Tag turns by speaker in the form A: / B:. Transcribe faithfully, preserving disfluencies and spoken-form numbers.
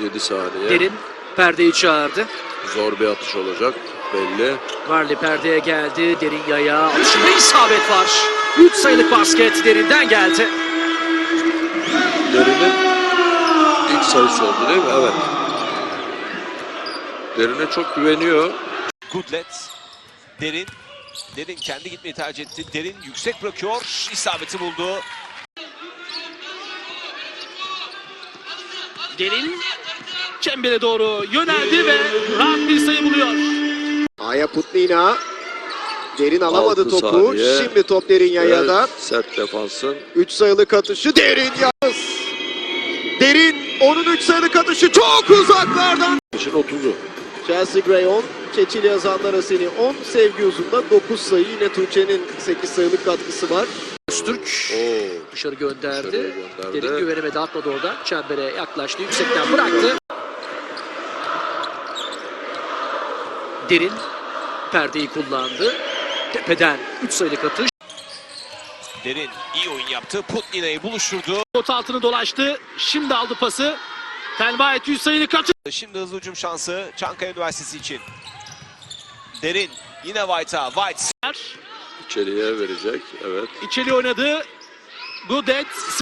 A: yedi saniye.
B: Derin perdeyi çağırdı.
A: Zor bir atış olacak belli.
B: Varley perdeye geldi. Derin yaya. Atışında isabet var. üç sayılık basket Derin'den geldi.
A: Derin'in ilk sayısı oldu değil mi? Evet. Derin'e çok güveniyor.
C: Goodlet. Derin. Derin kendi gitmeyi tercih etti. Derin yüksek bırakıyor. İsabeti buldu.
B: Derin çembere doğru yöneldi ve rahat bir sayı buluyor.
D: Aya Putnina. Derin alamadı
A: Altı
D: topu.
A: saniye.
D: Şimdi top Derin Yaya'da.
A: Evet, sert defansın.
D: üç sayılık atışı Derin yalnız. Derin onun üç sayılık atışı çok uzaklardan.
A: İşin otuzu.
D: Chelsea Gray on, Çeçil Yazanlar Aseni on, Sevgi Uzun'da dokuz sayı. Yine Tuğçe'nin sekiz sayılık katkısı var.
B: Öztürk
A: Oo.
B: dışarı gönderdi.
A: Dışarıya gönderdi.
B: Derin güvenemedi, atmadı oradan. Çembere yaklaştı, yüksekten bıraktı. Derin perdeyi kullandı. Tepeden üç sayılık atış.
C: Derin iyi oyun yaptı. Putnina'yı buluşturdu.
B: Pot altını dolaştı. Şimdi aldı pası. Telbayet yüz sayılık atış.
C: Şimdi hızlı hücum şansı Çankaya Üniversitesi için. Derin yine White'a. White.
A: İçeriye verecek. Evet.
B: İçeri oynadı. Goodlet